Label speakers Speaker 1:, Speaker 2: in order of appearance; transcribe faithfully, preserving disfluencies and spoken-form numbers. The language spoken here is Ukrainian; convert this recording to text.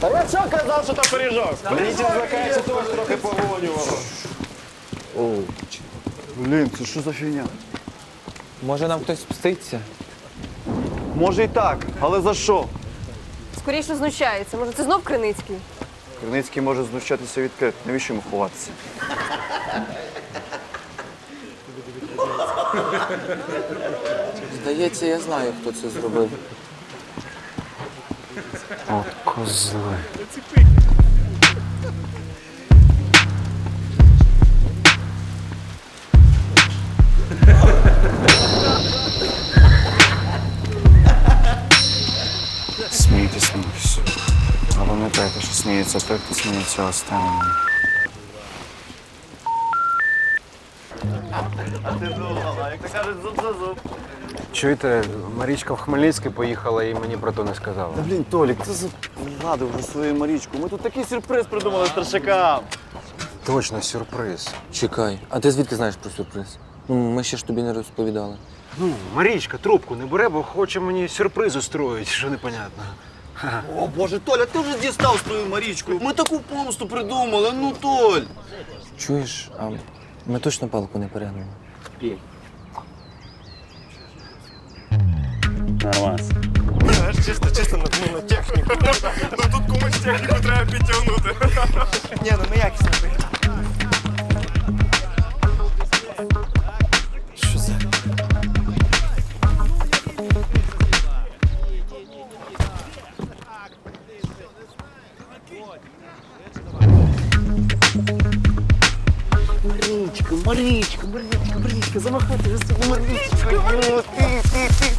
Speaker 1: А я що казав, що то пиріжок?
Speaker 2: Мені злякається теж трохи погонювало.
Speaker 3: Блін, це що за фігня?
Speaker 4: Може нам хтось мститься?
Speaker 3: Може і так, але за що?
Speaker 5: Скоріше знущається. Може, це знов Криницький?
Speaker 3: Криницький може знущатися відкрито. Навіщо йому ховатися?
Speaker 4: Здається, я знаю, хто це зробив.
Speaker 6: От козли. Смійтесь, смійтесь. А пам'ятайте, що сміється той, хто сміється останнім.
Speaker 3: Як то кажуть, зуб за зуб.
Speaker 6: Чуєте, Марічка в Хмельницький поїхала і мені про то не сказала.
Speaker 3: Та блін, Толік, ти загладив вже свою Марічку. Ми тут такий сюрприз придумали старшакам.
Speaker 6: Точно, сюрприз.
Speaker 4: Чекай, а ти звідки знаєш про сюрприз? Ну, ми ще ж тобі не розповідали.
Speaker 6: Ну, Марічка трубку не бере, бо хоче мені сюрприз устроїть, що непонятно.
Speaker 3: О, Боже, Толя, ти вже дістав свою Марічку. Ми таку помсту придумали, ну, Толь.
Speaker 4: Чуєш, а ми точно палку не перегнули?
Speaker 1: Нормас. Чисто, чисто ну, на техніку. Ну тут комусь техніку треба підтягнути. Ні, ну ми якісно виглядаємо. Що за?
Speaker 3: Марічка, Марічка, Марічка, Марічка, замахати за собою Марічка. Ти, ти, ти,